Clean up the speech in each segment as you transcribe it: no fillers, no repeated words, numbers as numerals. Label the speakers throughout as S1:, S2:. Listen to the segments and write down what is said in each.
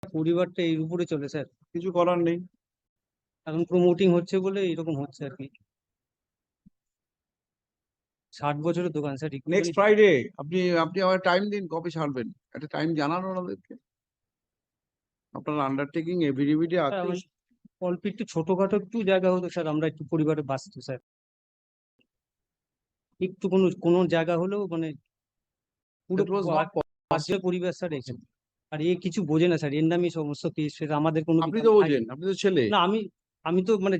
S1: পরিবারটা এর উপরে চলে স্যার।
S2: কিছু করার নেই।
S1: এখন প্রমোটিং হচ্ছে বলে এরকম হচ্ছে আর কি। 60 বছরের দোকান স্যার।
S2: নেক্সট ফ্রাইডে আপনি আপনি আমার টাইম দিন, কবে ছাড়বেন একটা টাইম জানান ওনাদেরকে। আপনার আন্ডারটেকিং এভিডেভিডে আছে।
S1: অল্প একটু ছোটখাটো একটু জায়গা হতো স্যার, আমরা একটু পরিবারে বাঁচতো স্যার। একটু কোনো জায়গা হলেও মানে পুরো
S2: That was not
S1: বাজে পরিবেশ স্যার এখানে। আর এ কিছু বোঝে না স্যার, এর নামই সমস্ত কেস ফেস, আমাদের কোনো
S2: আপনি তো বোঝেন, আপনি তো ছেলে।
S1: না, আমি তো মানে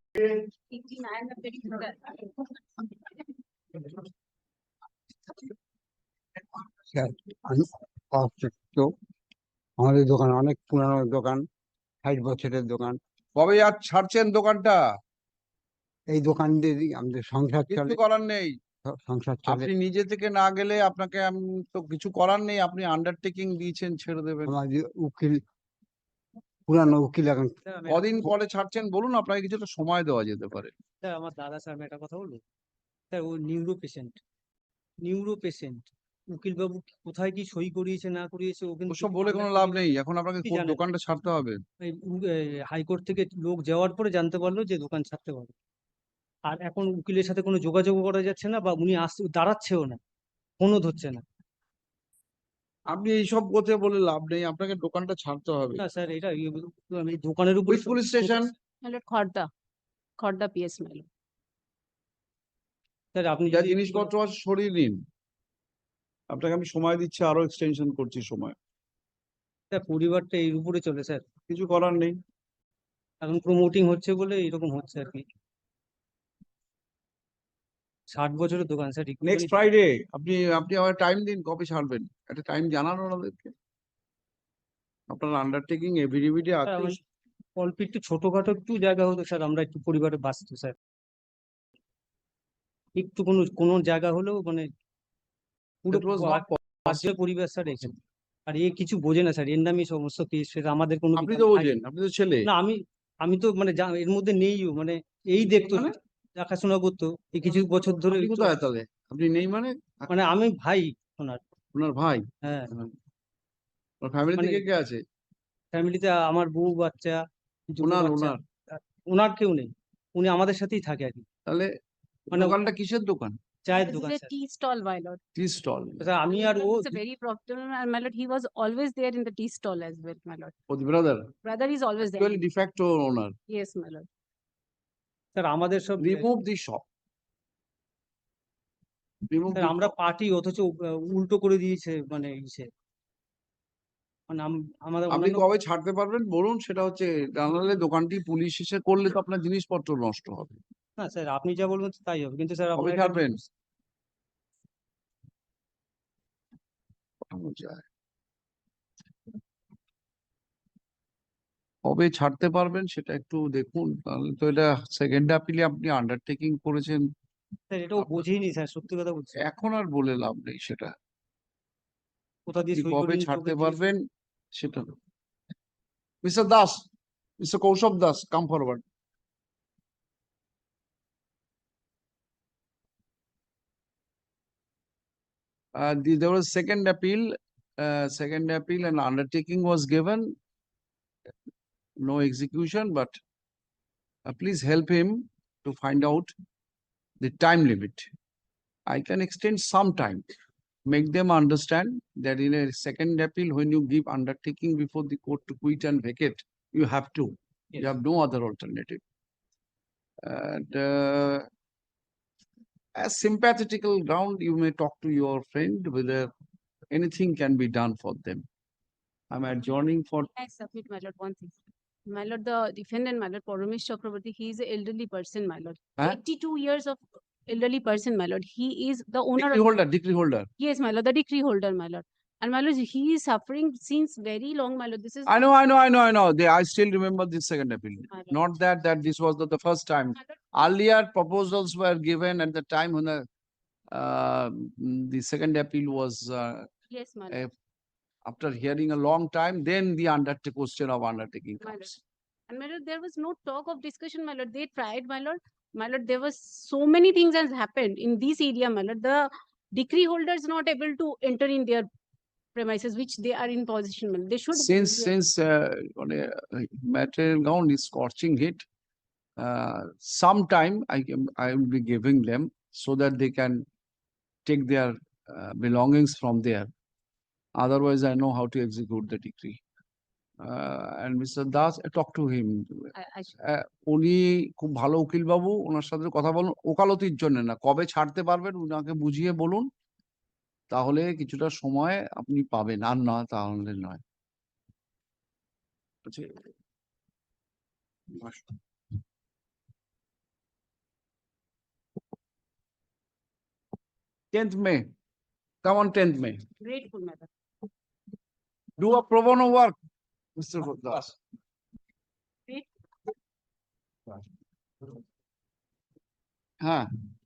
S3: আমাদের দোকান অনেক পুরানো দোকান, 60 বছরের দোকান।
S2: কবে আর ছাড়ছেন দোকানটা?
S3: এই দোকান দিয়ে আমাদের সংসার
S2: কিছু
S3: চলে।
S2: করার নেই।
S3: সংসার চলে।
S2: আপনি নিজে থেকে না গেলে আপনাকে তো কিছু করার নেই। আপনি আন্ডারটেকিং দিয়েছেন, ছেড়ে দেবেন।
S3: আমাদের উকিল, পুরানো উকিল এখন
S2: কদিন পরে ছাড়ছেন বলুন, আপনাকে কিছুটা সময় দেওয়া যেতে পারে।
S1: স্যার আমার দাদা স্যার, আমি একটা কথা বলবো স্যার, ও নিউরো পেশেন্ট। উকিল বাবু কোথায় কি সই করিয়েছে না করিয়েছে ও কিন্তু
S2: ওসব বলে কোনো লাভ নেই। এখন আপনাকে দোকানটা ছাড়তে হবে।
S1: হাইকোর্ট থেকে লোক যাওয়ার পরে জানতে পারলো যে দোকান ছাড়তে পারবে। আর এখন উকিলের সাথে কোনো যোগাযোগ করা যাচ্ছে না, বা উনি দাঁড়াচ্ছেও না, ফোনও ধরছে না।
S2: আপনি এইসব কথা বলে লাভ নেই, আপনাকে দোকানটা ছাড়তে হবে।
S1: না স্যার, এটা আমি দোকানের উপর
S2: পুলিশ স্টেশন
S4: খড়দা পিএস মেলো।
S1: স্যার আপনি
S2: যা
S1: যদি
S2: জিনিসপত্র আছে সরিয়ে নিন। আপনাকে আমি সময় দিচ্ছি, আরো এক্সটেনশন করছি সময়।
S1: স্যার পরিবারটা এর উপরে চলে স্যার।
S2: কিছু করার নেই।
S1: এখন প্রমোটিং হচ্ছে বলে এরকম হচ্ছে আর কি। 60 বছরের দোকান স্যার।
S2: নেক্সট ফ্রাইডে আপনি আপনি আমার টাইম দিন, কবে ছাড়বেন একটা টাইম জানান ওনাদেরকে। আপনার আন্ডারটেকিং এভিডেভিডে আছে।
S1: অল্প একটু ছোটখাটো একটু জায়গা হতো স্যার, আমরা একটু পরিবারে বাঁচতো স্যার। একটু কোনো জায়গা হলেও মানে পুরো
S2: That was not
S1: বাজে পরিবেশ স্যার এখানে। আর এ কিছু বোঝে না স্যার, এর নামই সমস্ত কেস ফেস, আমাদের কোনো
S2: আপনি তো বোঝেন, আপনি তো ছেলে।
S1: না, আমি তো মানে এর মধ্যে নেইও, মানে এই দেখতো
S2: মানে?
S1: দেখাশোনা করতো এই কিছু বছর ধরে।
S2: আপনি কোথায় তাহলে? আপনি নেই মানে?
S1: মানে আমি ভাই ওনার।
S2: ওনার ভাই?
S1: হ্যাঁ,
S2: ওর ফ্যামিলি
S1: মানে
S2: থেকে কে আছে?
S1: ফ্যামিলিতে আমার বউ বাচ্চা, দুটো
S2: ওনার
S1: বাচ্চা।
S2: ওনার
S1: ওনার কেউ নেই, উনি আমাদের সাথেই থাকে আর কি।
S2: তাহলে
S1: মানে
S2: দোকানটা কিসের দোকান?
S1: চায়ের
S4: This
S1: দোকান
S4: is a
S1: sir.
S4: tea stall, my lord.
S2: Tea stall.
S1: Sir আমি আর ও
S4: It's a very profitable, and my lord, he was always there in the tea stall as well, my lord.
S2: ও the brother,
S4: Brother is always there.
S2: Actually de facto owner.
S4: Yes, my lord.
S1: Sir আমাদের সব
S2: remove the shop. Remove
S1: sir আমরা party, অথচ উল্টো করে দিয়েছে মানে ইসে। মানে আমাদের
S2: আপনি
S1: অন্যান্য
S2: কবে ছাড়তে পারবেন বলুন, সেটা হচ্ছে জানালে দোকানটি পুলিশ এসে করলে তো আপনার জিনিসপত্র নষ্ট হবে।
S1: না স্যার, আপনি যা বলবেন তাই হবে, কিন্তু স্যার
S2: কবে
S1: আপনার
S2: ছাড়বেন? পাঠানো যায়। কবে ছাড়তে পারবেন সেটা একটু দেখুন, তাহলে তো এটা সেকেন্ড আপিলে আপনি আন্ডারটেকিং করেছেন।
S1: স্যার এটাও বোঝেইনি স্যার, সত্যি কথা বলছি।
S2: এখন আর বলে লাভ নেই সেটা।
S1: কোথা দিয়ে
S2: আপনি
S1: সই
S2: কবে
S1: করিয়ে
S2: ছাড়তে পারবেন সেটা। Mr Das, Mr Kaushab Das, come forward. There was second appeal and undertaking was given. No execution, but please help him to find out the time limit. I can extend some time. Make them understand that in a second appeal, when you give undertaking before the court to quit and vacate, you have to.
S1: Yes.
S2: You have no other alternative. And as sympathetical ground, you may talk to your friend whether anything can be done for them. I'm adjourning for.
S4: I submit, my lord, one thing. My lord, the defendant, my lord, Paramesh Chakraborty, he is an elderly person, my lord.
S2: Huh?
S4: 82 years of elderly person, my lord. He is the owner
S2: Decree holder.
S4: Yes, my lord, the decree holder, my lord. And my lord, he is suffering since very long, my lord. This is
S2: I know. I still remember this second appeal.
S4: My lord.
S2: Not that this was the first time.
S4: My lord,
S2: Earlier proposals were given at the time when the second appeal was
S4: yes, my lord.
S2: after hearing a long time, then the question of undertaking
S4: My lord.
S2: comes.
S4: And my lord, there was no talk of discussion, my lord. They tried, my lord. My lord, there was so many things has happened in this area, my lord. The decree holder is not able to enter in their premises which they are in possession, they should.
S2: Since on a material ground is scorching heat, sometime I will be giving them so that they can take their belongings from there. Otherwise, I know how to execute the decree. And Mr. Das, talk to him.
S4: I should.
S2: উনি খুব ভালো উকিল বাবু, ওনার সাথে কথা বলুন, ওকালতির জন্য না, কবে ছাড়তে পারবেন উনাকে বুঝিয়ে বলুন, তাহলে কিছুটা সময় আপনি পাবেন, আর না তাহলে নয়। আচ্ছা, 10th May, come on 10th May,
S4: Grateful, madam.
S2: do a pro bono work, Mr. Das.
S4: Great.
S2: হ্যাঁ